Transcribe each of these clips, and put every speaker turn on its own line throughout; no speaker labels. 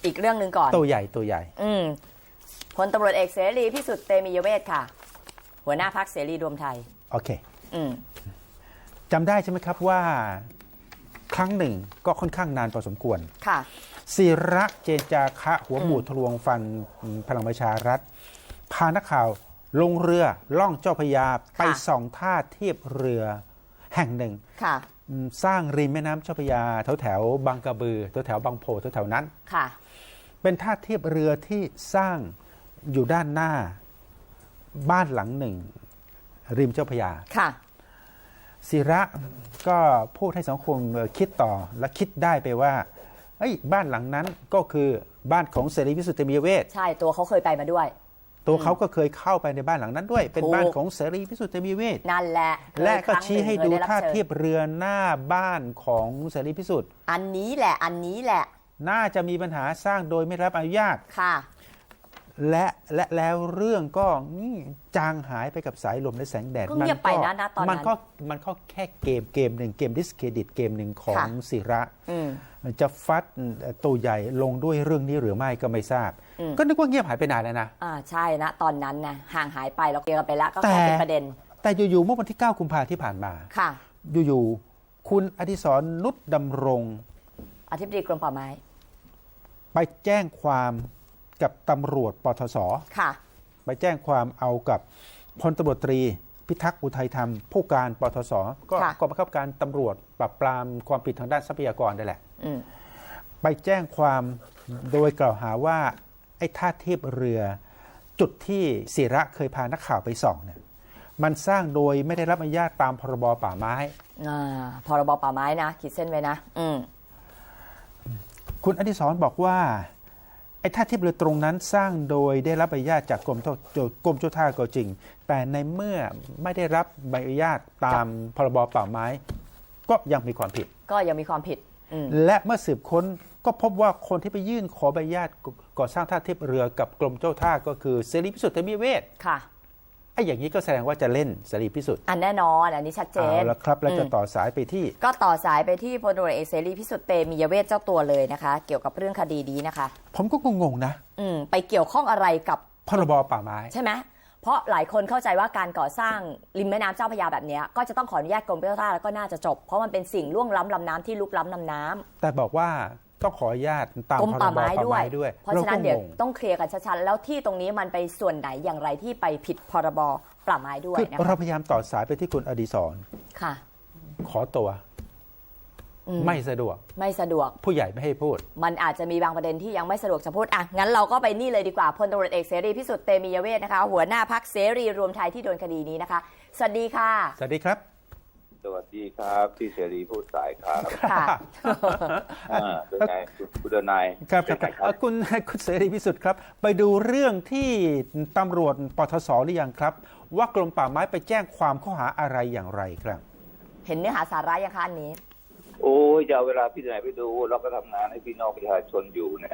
อีกเรื่องหนึ่งก่อน
ตัวใหญ่ตัวใหญ่
พลตำรวจเอกเสรีพิสุทธิ์เตมียเวทค่ะหัวหน้าพรรคเสรีรวมไทย
โอเคจำได้ใช่ไหมครับว่าครั้งหนึ่งก็ค่อนข้างนานพอสมควร
ค่ะ
ศิระเจนจาคะหัวหมูทะลวงฟันพลังประชารัฐพานักข่าวลงเรือล่องเจ้าพระยาไปส่องท่าเทียบเรือแห่งหนึ่งสร้างริมแม่น้ำเจ้าพระยาแถวบางกระบือแถวบางโพแถวนั้น
ค่ะ
เป็นท่าเทียบเรือที่สร้างอยู่ด้านหน้าบ้านหลังหนึ่งริมเจ้าพระยา
ค่ะ
ศิระก็พูดให้สังคมคิดต่อและคิดได้ไปว่าบ้านหลังนั้นก็คือบ้านของเสรีพิสุทธิ์เตมียเวท
ใช่ตัวเขาเคยไปมาด้วย
ตัวเขาก็เคยเข้าไปในบ้านหลังนั้นด้วยเป็นบ้านของเสรีพิสุทธิ์เตมียเวท
นั่นแหละ
และก็ชี้ให้ดูท่าเทียบเรือหน้าบ้านของเสรีพิสุทธิ์
อันนี้แหละ
น่าจะมีปัญหาสร้างโดยไม่รับอนุญาต
ค่ะ
และแล้วเรื่องก็จางหายไปกับสายลมและแสงแดด
ก็เงียบไปนะตอนนั้น
มันก็แค่เกมหนึ่งเกมดิสเครดิตเกมหนึ่งของศิระจะฟัดตัวใหญ่ลงด้วยเรื่องนี้หรือไม่ก็ไม่ทราบก็นึกว่าเงียบหายไปนานแล้วนะ
ใช่นะตอนนั้นนะห่างหายไปเราเคลียร์กันไปแล้วก็แค่เป็นประเด็น
แต่อยู่ๆเมื่อวันที่9 กุมภาพันธ์ที่ผ่านมา
ค่ะ
อยู่ๆคุณอดิศรนุชดำรง
อธิบดีกรมป่าไม้
ไปแจ้งความกับตำรวจปทศ
ค่ะ
ไปแจ้งความเอากับพลตำรวจตรีพิทักษ์อุทัยธรรมผู้การปทศก็กองบังคับการตำรวจปราบปรามความผิดทางด้านทรัพยากรได้แหละไปแจ้งความโดยกล่าวหาว่าไอ้ท่าเทียบเรือจุดที่ศิระเคยพานักข่าวไปส่องเนี่ยมันสร้างโดยไม่ได้รับอนุญาตตามพรบป่าไม้
พรบป่าไม้นะขีดเส้นไว้นะ
คุณอดิศรบอกว่าไอ้ท่าเทียบเรือตรงนั้นสร้างโดยได้รับใบอนุญาตจากกรมเจ้าท่าก็จริงแต่ในเมื่อไม่ได้รับใบอนุญาตตามพรบป่าไม้ก็ยังมีความผิดและเมื่อสืบค้นก็พบว่าคนที่ไปยื่นขอใบอนุญาตก่อสร้างท่าเทียบเรือกับกรมเจ้าท่าก็คือเสรีพิสุทธิ์เตมียเวท
ค่ะ
ไอ้อย่างนี้ก็แสดงว่าจะเล่นเสรีพิสุทธิ์
แน่นอนอันนี้ชัดเจน
แล้วครับแล้วจะต่อสายไปที่
พลตำรวจเอกเสรีพิสุทธิ์เตมียเวทเจ้าตัวเลยนะคะเกี่ยวกับเรื่องคดีนี้นะคะ
ผมก็งงๆนะ
ไปเกี่ยวข้องอะไรกับ
พรบป่าไม้
ใช่ไหมเพราะหลายคนเข้าใจว่าการก่อสร้างริมแม่น้ำเจ้าพระยาแบบนี้ก็จะต้องขออนุญาตกรมเจ้าท่าแล้วก็น่าจะจบเพราะมันเป็นสิ่งล่วงล้ำลำน้ำที่ลุกล้ำลำน้ำ
แต่บอกว่าต้องขออนุญาตตาม
กรมป่าไม้
ด้วย
เพราะฉะนั้นเดี๋ยวต้องเคลียร์กันชัดๆแล้วที่ตรงนี้มันไปส่วนไหนอย่างไรที่ไปผิดพรบป่าไม้ด้วย
นะคะเราพยายามต่อสายไปที่คุณอดิศร
ค่ะ
ขอตัวไม่สะดวกผู้ใหญ่ไม่ให้พูด
มันอาจจะมีบางประเด็นที่ยังไม่สะดวกจะพูดงั้นเราก็ไปนี่เลยดีกว่าพลตำรวจเอกเสรีพิสุทธิ์เตมียเวทนะคะหัวหน้าพรรคเสรีรวมไทยที่โดนคดีนี้นะคะสวัสดีค่ะ
สวัสดีครับ
สวัสดีครับพี่เสรีพูดสายครับ
ค่ะ
เป็นไงคุณนาย
ครับคุณเสรีพิสุทธิ์ครับไปดูเรื่องที่ตำรวจปทศหรือยังครับว่ากรมป่าไม้ไปแจ้งความข้อหาอะไรอย่างไรครับ
เห็นเนื้อหาสาระยังคะอันนี้
โอ้ยจะเอาเวลาพี่ไหนไปดูเราก็ทำงานให้พี่น้องประชาชนอยู่เนี่ย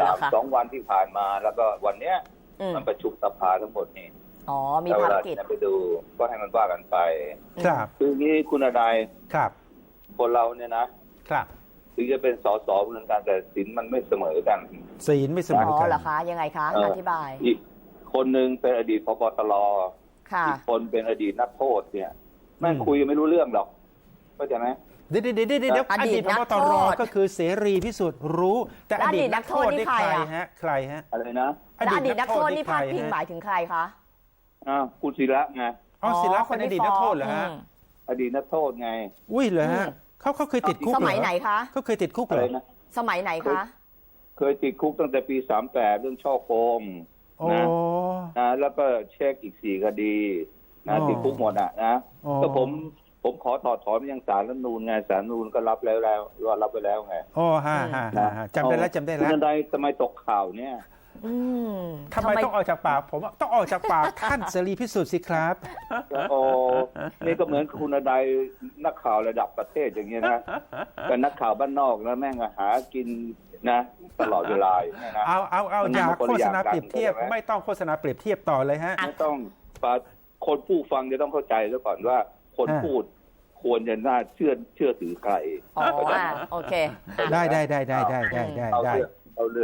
2 วันที่ผ่านมาแล้วก็วันเนี้ยมันประชุมสภาทั้งหมดนี่
มีภารกิจ
ไปดูก็ให้มันว่ากันไป
ครับ
คือนี้คุณนาย
ครับ
คนเราเนี่ยนะครับถึงจะเป็นสสเหมือนกันแต่ศีลมันไม่เสมอกัน
ศีลไม่เสมอกัน
เหรอคะยังไงคะอธิบาย
อีกคนนึงเป็นอดีตผบ.ตร.
อี
กคนเป็นอดีตนักโทษเนี่ยแม่งคุยไม่รู้เรื่องหรอกเข้าใจไหม
เดี๋ยวอดีตผบ.ตร.ก็คือเสรีพิสุทธิ์รู้แต่อดีตนักโทษนี่ใครฮะ
อะไรนะ
อดีตนักโทษนี่พาดพิงหมายถึงใครคะ
คุณศิระไง
ศิระเป็นอดีตนักโทษเหรอฮะ
อดีตนักโทษไง
อุ้ยเหรอฮะเขาเคยติดคุก
สมัยไหนคะ
เขาเคยติดคุกเหรอ
สมัยไหนคะ
เคยติดคุกตั้งแต่ปี38เรื่องช่อโกงนะแล้วก็เช็คอีก4 คดีนะติดคุกหมดนะก็ผมขอถอดถอนไปยังศาลรัฐธรรมนูญไงศาลรัฐธรรมนูญก็รับแล้วรับไปแล้วไง
จำได้แล้ว
คุณใดทำไมตกข่าวเนี่ย
ทำไมต้องออกจากปากผมต้องออกจากปากท่านเสรีพิสุทธิ์สิครับ
นี่ก็เหมือนคุณใดนักข่าวระดับประเทศอย่างเงี้ยนะแต่นักข่าวบ้านนอกนะแม่งหากินนะตลอดเวลา
เอาอย่าโฆษณาเปรียบเทียบไม่ต้องโฆษณาเปรียบเทียบต่อเลยฮะ
ไม่ต้องคนผู้ฟังจะต้องเข้าใจซะก่อนว่าคนพูดควรจะน่าเชื่อถือใคร
โอเค
ได้
เอาเรื่อง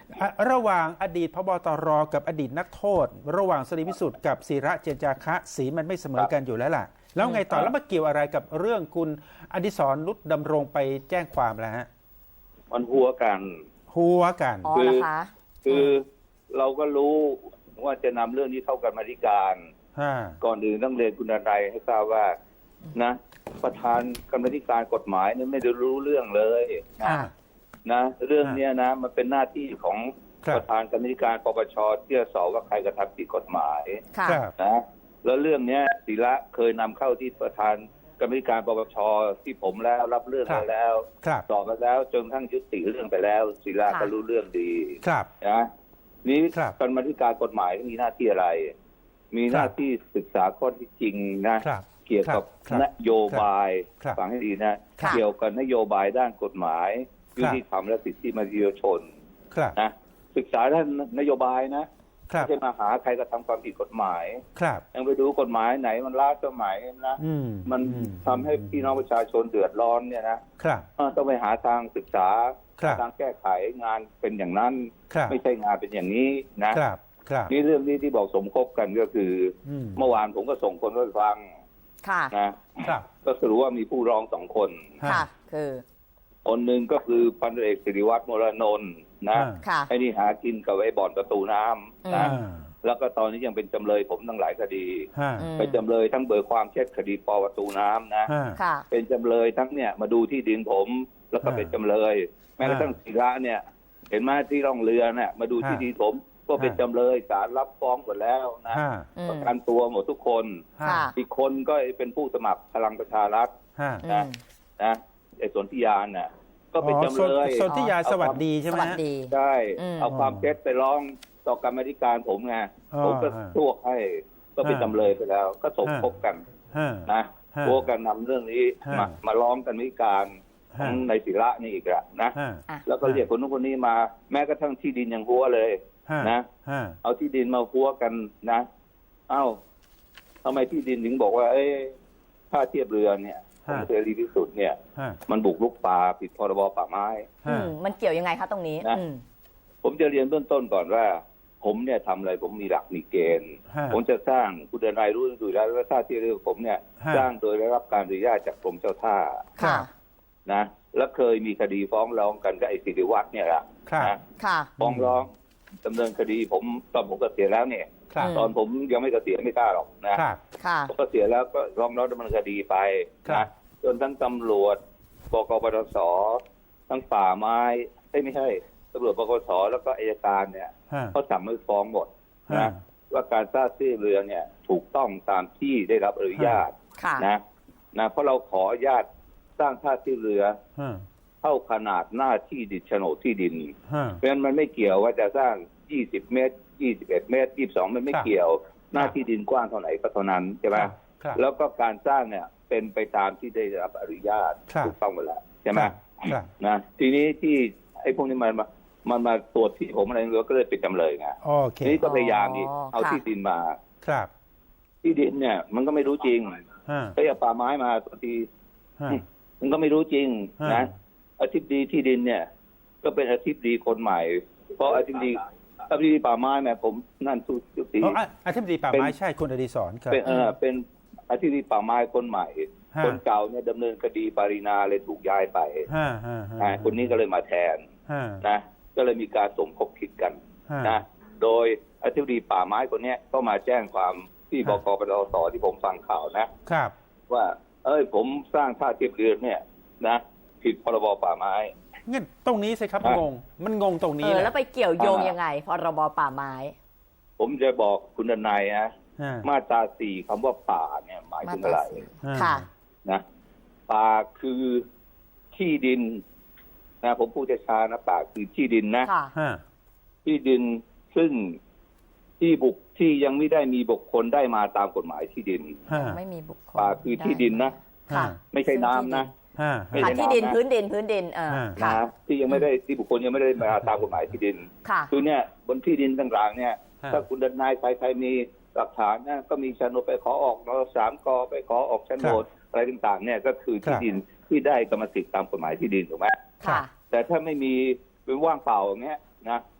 ระหว่างอดีตพบตรกับอดีตนักโทษ ระหว่างเสรีพิสุทธิ์กับศิระเจนจาคะสีมันไม่เสมอกันอยู่แล้วล่ะแล้วไงต่อแล้วมาเกี่ยวอะไรกับเรื่องคุณอดิศรนุชดำรงไปแจ้งความแล้วฮะ
มันหัวกัน
หัวกัน
อ๋อเหรอคะ
คือเราก็รู้ว่าจะนำเรื่องนี้เข้ากรรมาธิการ ก่อนอื่นต้องเรียนคุณนายให้ทราบว่านะประธานกรรมาธิการกฎหมายเนี่ยไม่ได้รู้เรื่องเลยนะเรื่องเนี้ยนะมันเป็นหน้าที่ของประธานกรรมาธิการปปชที่จะสอบว่าใครกระทำผิดกฎหมายนะแล้วเรื่องเนี้ยศิระเคยนำเข้าที่ประธานกรรมาธิการปปชที่ผมแล้วรับเรื่องไปแล้วสอบไปแล้วจนทั้งยุติเรื่องไปแล้วศิระก็รู้เรื่องดีนะนี้กรรมาธิการกฎหมายมีหน้าที่อะไรมีหน้าที่ศึกษาข้อที่จริงนะเกี่ยวกับนโยบายฟังให้ดีนะเกี่ยวกับนโยบายด้านกฎหมายยุติธรรมและสิทธิมนุษยชนนะศึกษาด้านนโยบายนะไม่ใช่มาหาใครกระทำความผิดกฎหมายยังไปดูกฎหมายไหนมันล้าสมัยนะมันทำให้พี่น้องประชาชนเดือดร้อนเนี่ยนะต้องไปหาทางศึกษาทางแก้ไขงานเป็นอย่างนั้นไม่ใช่งานเป็นอย่างนี้นะนี่เรื่องนี้ที่บอกสมคบกันก็คือเมื่อวานผมก็ส่งคนไปฟังนะก็สรุปว่ามีผู้ร้อง2 คน
คือ
คนหนึ่งก็คือพันเอกศิริวัฒน์ มรนนท์นะไอ้นี่หากินกับไอ้บ่อนประตูน้ำนะแล้วก็ตอนนี้ยังเป็นจำเลยผมทั้งหลายคดีเป็นจำเลยทั้งเบิกความเท็จคดีป.ประตูน้ำนะเป็นจำเลยทั้งเนี่ยมาดูที่ดินผมแล้วก็เป็นจำเลยแม้กระทั่งศิระเนี่ยเห็นไหมที่ร่องเรือเนี่ยมาดูที่ดินผมก็เป็นจำเลยศาลรับฟ้องหมดแล้วนะประกันตัวหมดทุกคนอีกคนก็เป็นผู้สมัครพลังประชารัฐนะไอ้สนธิยาน่ะก็เป็นจำเลย
สนธิยาสวัสดีใช่ไหม
ใช่เอาความเท็จไปร้องต่อกรรมาธิการผมไงผมก็สู้ให้ก็เป็นจำเลยไปแล้วก็สมคบกันนะโวกันนำเรื่องนี้มาร้องกรรมาธิการของในศิระนี่อีกละนะแล้วก็เรียกคนนู้นคนนี้มาแม้กระทั่งที่ดินยังหัวเลยนะเอาที่ดินมาหัวกันนะเอ้าทำไมที่ดินถึงบอกว่าท่าเทียบเรือเนี่ยของเสรีพิสุทธิ์เนี่ยมันบุกรุกป่าผิดพรบป่าไม้
มันเกี่ยวยังไงคะตรงนี้
นะผมจะเรียนเบื้องต้นก่อนว่าผมเนี่ยทำอะไรผมมีหลักมีเกณฑ์ผมจะสร้างคุณนายรู้อยู่แล้วว่าท่าเทียบเรือผมเนี่ยสร้างโดยได้รับการอนุญาตจากกรมเจ้าท่านะแล้วเคยมีคดีฟ้องร้องกันกับไอ้ศิริวัฒน์เนี่ยแหละนะฟ้องร้องดำเนินคดีผมตอนผมเกษียณแล้วเนี่ยตอนผมยังไม่เกษียณไม่กล้าหรอกนะผมเกษียณแล้วก็ร้องดำเนินคดีไปนะจนทั้งตำรวจบกปทศทั้งป่าไม้ไม่ใช่ตำรวจบกปทศแล้วก็อัยการเนี่ยเขาสั่งไม่ฟ้องหมดนะว่าการสร้างที่เรือเนี่ยถูกต้องตามที่ได้รับอนุญาตนะเพราะเราขออนุญาตสร้างท่าที่เรือเท่าขนาดหน้าที่ดินโฉนดที่ดินเพราะฉะนั้นมันไม่เกี่ยวว่าจะสร้าง20 เมตร21 เมตร22มันไม่เกี่ยวหน้าที่ดินกว้างเท่าไหร่ก็เท่านั้นใช่ไหมแล้วก็การสร้างเนี่ยเป็นไปตามที่ได้รับอนุญาตถูกต้องหมดแล้วใช่ไหมนะทีนี้ที่ไอ้พวกนี้มันมาตรวจที่ผมอะไรก็เลยเป็นจำเลยไงทีนี้ก็พยายามเอาที่ดินมาที่ดินเนี่ยมันก็ไม่รู้จริงก็อย่าป่าไม้มาตัวทีมันก็ไม่รู้จริงนะอธิบดีที่ดินเนี่ยก็เป็นอธิบดีคนใหม่เพราะอธิบดีป่าไม้แม่ผมนั่นสุดที่
อธิบดีป่าไม้ใช่คุณอดิศรครับ
เป็นอธิบดีป่าไม้คนใหม่คนเก่าเนี่ยดำเนินคดีปารีนาเลยถูกย้ายไปคนนี้ก็เลยมาแทนนะก็เลยมีการสมคบคิดกันนะโดยอธิบดีป่าไม้คนนี้ก็มาแจ้งความที่บกปทศที่ผมฟังข่าวนะครับว่าผมสร้างท่าเทียบเรือเนี่ยนะผิดพรบป่าไม้
งั้นตรงนี้สิครับงงมันงงตรงนี้
แล้วไปเกี่ยวโยงยังไงพรบป่าไม้
ผมจะบอกคุณดนัยนะมาตรา4คำว่าป่าเนี่ยหมายถึงอะไรนะป่าคือที่ดินนะผมพูดช้าๆนะป่าคือที่ดินนะที่ดินซึ่งที่ยังไม่ได้มีบุคคลได้มาตามกฎหมายที่ดิน
ไม่มีบุคคล
ป่าคือที่ดินนะไม่ใช่น้ำนะ
ที่ดินพื้นดิน
ที่ยังไม่ได้ที่บุคคลยังไม่ได้มาตามกฎหมายที่ดินคือเนี่ยบนที่ดินต่างๆเนี่ยถ้าคุณดนายใครมีหลักฐานนะก็มีโฉนดไปขอออกน.3 ก.ไปขอออกโฉนดอะไรต่างๆเนี่ยก็คือที่ดินที่ได้กรรมสิทธิ์ตามกฎหมายที่ดินถูกไหมแต่ถ้าไม่มีเป็นว่างเปล่าอย่างเงี้ยนะ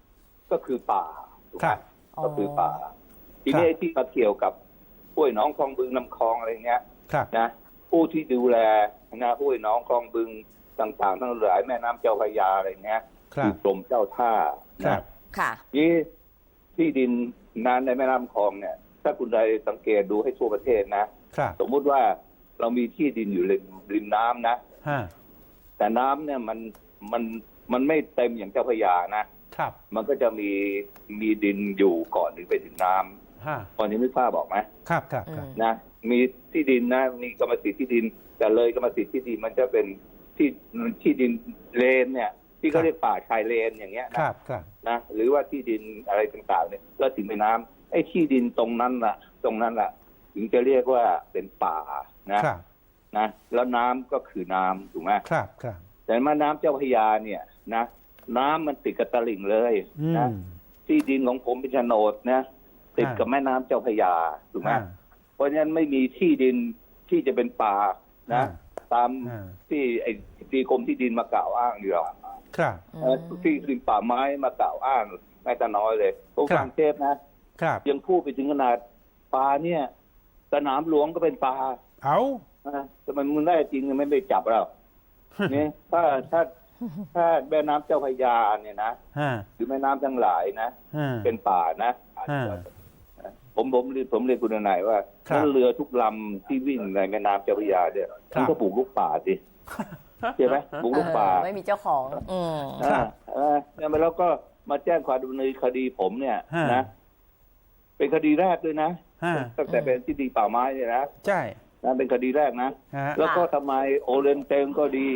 ก็คือป่าถูกไห
ค
ม
รับ
ก็คือป่า ทีนี้ที่มาเกี่ยวกับห้วยหนองคลองบึงลำคลองอะไรเงี้ย
ครับ
นะผู้ที่ดูแลนะห้วยหนองคลองบึงต่างๆทั้งหลายแม่น้ำเจ้าพระยาอะไรเงี้ย
ครับ
คือกรมเจ้าท่า
ครั
นะ
บ
ค่ะ
นี่ที่ดินนานในแม่น้ำคลองเนี่ย ถ้าคุณใดสังเกตดูให้ทั่วประเทศนะครับ สมมุติว่าเรามีที่ดินอยู่ริมน้ำนะ
ฮะ
แต่น้ำเนี่ยมันไม่เต็มอย่างเจ้าพระยานะครับ มันก็จะมีดินอยู่ก่อนถึงไปถึงน้ำ
ฮะ
ตอนนี้ไม่ทราบบอกไหม
ครับครับครับ
นะมีที่ดินนะมีกรรมสิทธิ์ที่ดิน แต่เลยกรรมสิทธิ์ที่ดินมันจะเป็นที่ดินเลนเนี่ยที่เขาเรียกป่าชายเลนอย่างเงี้ย
ค
นะ
รับครับ
นะหรือว่าที่ดินอะไรต่างๆเนี่ยแล้วถึงไปน้ำไอ้ที่ดินตรงนั้นล่ะถึงจะเรียกว่าเป็นป่านะครับนะแล้วน้ำก็คือน้ำถูกไหม
ครับครับ
แต่แม่น้ำเจ้าพระยาเนี่ยนะน้ำมันติดกับตลิ่งเลย
อื
นะ
ม
ที่ดินของผมเป็นโฉนดนะติดกับแม่น้ำเจ้าพระยาถูกไหม
อ่า
เพราะฉะนั้นไม่มีที่ดินที่จะเป็นป่านะ ตาม
อ่า
ที่ไอ้ที่กรมที่ดินมากล่าวอ้างอยู่หรอก
ครับ
ที่ดินป่าไม้มากล่าวอ้างไม่แต่น้อยเลยผมฟังเทปนะครับ ยังพูดไปถึงขนาดป่าเนี่ยสนามหลวงก็เป็นป่า
เอา
แต่มันมึงได้จริงไม่ไปจับเราเนี่ยถ้าแม่น้ำเจ้าพระยาเนี่ยนะ
ฮะ
หรือแม่น้ำทั้งหลายนะ
ฮะ
เป็นป่านะ
ฮะ
ผมเรียนคุณนายว่า
ครับ
นั่นเรือทุกลำที่วิ่งในแม่น้ำเจ้าพระยาเนี่ยมันก็ปลูกลูกป่าสิใช่ไหมปลูกลูกป่า
ไม่มีเจ้าของ
เนี่ยแล้วก็มาแจ้งความดำเนินคดีผมเนี่ย
ฮะ
นะเป็นคดีแรกด้วยนะ
ฮะ
ตั้งแต่เป็นที่ดีป่าไม้เนี่ยนะ
ใช่
เป็นคดีแรกนะ
ฮะ
แล้วก็ทำไมโอเรนเตนก็ดี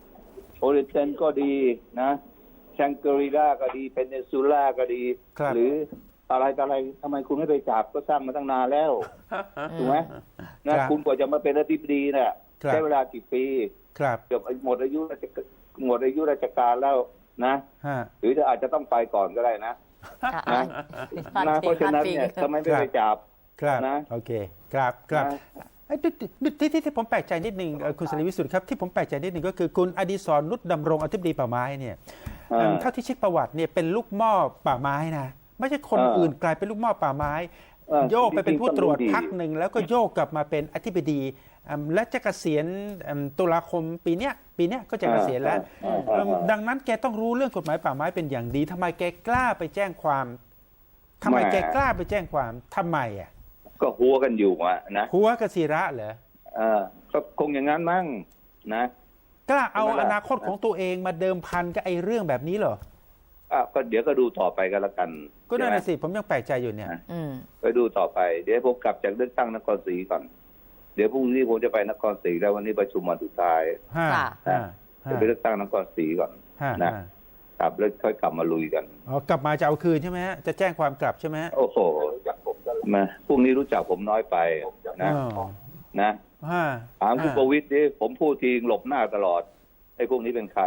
นะแชงเกอริล่าก็ดีเพนเนซูล่าก็ดี
ครับ
หรืออะไรทำไมคุณไม่ไปจับก็สร้างมาตั้งนานแล้วถูกไหมนะครับ คุณกว่าจะมาเป็นอธิบดีเนี่ย
ครับ
ใช้เวลากี่ปี
ครับ
เกือบหมดอายุราชการแล้วนะ
ฮะ
หรืออาจจะต้องไปก่อนก็ได้นะ นะเพราะฉะนั้นเนี่ยทำไมไม่ไปจับ
ครับ
นะ
โอเคครับครับ
นะ
ไอ้ที่ผมแปลกใจนิดนึงคุณสรีวิสุทธิ์ครับที่ผมแปลกใจนิดนึงก็คือคุณอดิศรนุชดำรงอธิบดีป่าไม้เนี่ยเท่าที่เช็คประวัติเนี่ยเป็นลูกหม้อป่าไม้นะไม่ใช่คนอื่นกลายเป็นลูกหม้อป่าไม้ โยกไปเป็นผู้ตรวจพักหนึ่งแล้วก็โยกกลับมาเป็นอธิบดีและจะเกษียณตุลาคมปีเนี้ยก็จะเกษียณแล้วดังนั้นแกต้องรู้เรื่องกฎหมายป่าไม้เป็นอย่างดีทำไมแกกล้าไปแจ้งความทำไมแกกล้าไปแจ้งความทำไมอ่ะ
ก็หัวกันอยู่อะนะ
หัวกบศิระเหรอ
ก็คงอย่างนั้นมั้งนะ
กล้าเอาอนาคตของตัวเองมาเดิมพันกับไอ้เรื่องแบบนี้เหรอ
ก็เดี๋ยวก็ดูต่อไปกันละกัน
ก็นั่น
ใช่ไหม
น่ะสิผมยังแปลกใจอยู่เนี่ย
ไปดูต่อไปเดี๋ยวผมกลับจากเลือกตั้งนครศรีก่อนเดี๋ยวพรุ่งนี้ผมจะไปนครศรีแล้ววันนี้ประชุมวันสุดท้าย
ห้า
จะไปเลือกตั้งนครศรีก่อนนะครับแล้วค่อยกลับมาลุยกัน
อ๋อกลับมาจะเอาคืนใช่ไหมฮะจะแจ้งความกลับใช่ไหมฮะ
โอ้โหมาพรุ่งนี้รู้จักผมน้อยไปนะนะถามคุณประวิตรดิผมพูดทีหลบหน้าตลอดไอ้พวกนี้เป็นใคร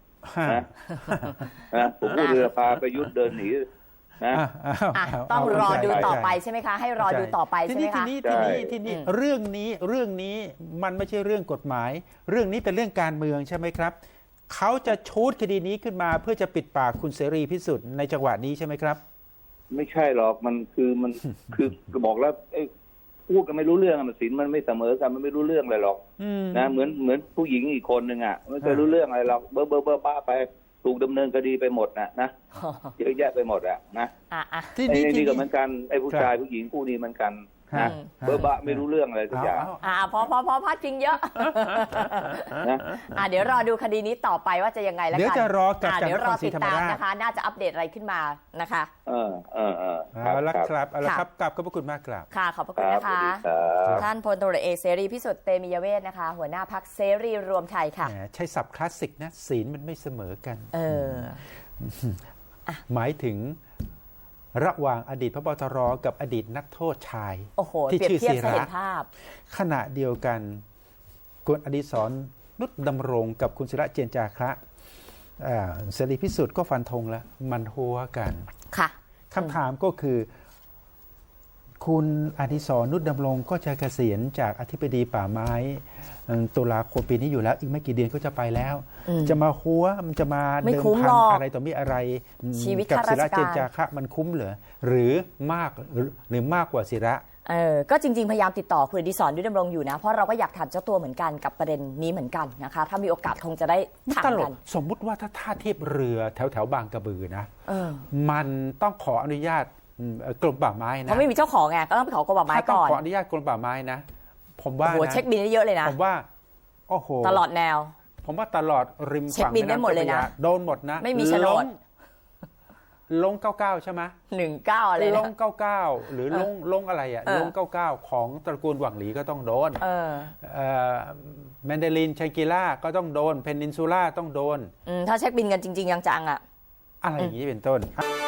นะผมพูดเรือพาไปยุทธเดินหนีนะ
ต้องรอดูต่อไปใช่ไหมคะให้รอดูต่อไปใช่ไหมคะ
ทีนี้เรื่องนี้มันไม่ใช่เรื่องกฎหมาย เรื่องนี้เป็นเรื่องการเมืองใช่ไหมครับเขาจะชูดคดีนี้ขึ้นมาเพื่อจะปิดปากคุณเสรีพิสุทธิ์ในจังหวะนี้ใช่ไหมครับ
ไม่ใช่หรอกมันคือบอกแล้วพูดกันไม่รู้เรื่องมันสินมันไม่เสมอกันมันไม่รู้เรื่องอะไรหรอกนะเหมือนผู้หญิงอีกคนหนึ่งอ่ะไม่เคยรู้เรื่องอะไรหรอกเบอร์ป้าไปถูกดำเนินคดีไปหมดนะเยอะแยะไปหมดอ่ะนะไอ้นี่ก็เหมือนกันไอ้ผู้ชายผู้หญิงคู่นี้เหมือนกันนะเบอร์บ้าไม่รู้เรื่องอะไรทุกอย่าง
พอพาดพิงเยอะนะเดี๋ยวรอดูคดีนี้ต่อไปว่าจะยังไงแล้วกัน
เดี๋ยวจะรอกับ
เดี๋ยวรอติดตามนะคะน่าจะอัปเดตอะไรขึ้นมานะคะ
เอาละครับเอาละครับกลับขอบพระคุณมากครับ
ค่ะขอบพระคุณนะคะท่านพลตำรวจเอกเสรีพิสุทธิ์เตมียเวทนะคะหัวหน้าพรรคเสรีรวมไทยค่ะ
ใช้ศัพท์คลาสสิกนะศีลมันไม่เสมอกันหมายถึงระหว่างอดีตพบตรกับอดีตนักโทษชายที่ชื่อศิระขณะเดียวกันคุณอดิศรนุชดำรงกับคุณศิระเจนจาคะเสรีพิสุทธิ์ก็ฟันธงแล้วมันหัวกัน
ค่ะ
คำถามก็คือคุณอดิศรนุชดำรงก็จะเกษียณจากอธิบดีป่าไม้ตุลาคมปีนี้อยู่แล้วอีกไม่กี่เดือนก็จะไปแล้ว จะมาหัวมันจะมาเดิมพันอะไรต่อมีอะไร
ชีวิต
กับ
ข้า
ศิ
ราช
ระเจน
การ
จาคะมันคุ้มเหรอหรือมากกว่าศิระ
ก็จริงๆพยายามติดต่อคุณอดิศรนุชดำรงอยู่นะเพราะเราก็อยากถามเจ้าตัวเหมือนกันกับประเด็นนี้เหมือนกันนะคะถ้ามีโอกาสคงจะได้ถาม
ตล
กั
ก
น
สมมุติว่าถ้าท่าเทียบเรือแถวบางกระบือนะมันต้องขออนุญาตกรมป่าไม้นะ
เพราะไม่มีเจ้าของไงก็ต้องไปขอกรมป่าไม้
ถ้าต้อ
ก่
ง
อน
ขออนุญาตกรมป่าไม้นะผมว่า
โอ้โห
นะ
เช็คบินได้เยอะเลยนะ
ผมว่าโอ้โห
ตลอดแนว
ผมว่าตลอดริม
เช็ค
ฝั่ง
บินได้หมดเลยนะ
โดนหมดนะ
ไม่มีโฉนด
ลง99ใช่ไหม
19อะไร
ล
นะ
ง99หรือลงอะไรอ่ะลง99ของตระกูลหวังหลีก็ต้องโดนแมนเดลินชังกิล่าก็ต้องโดนเพนินซูล่าต้องโดน
ถ้าเช็คบินกันจริงๆจังๆอ่ะ
อะไรอย่างนี้เป็นต้น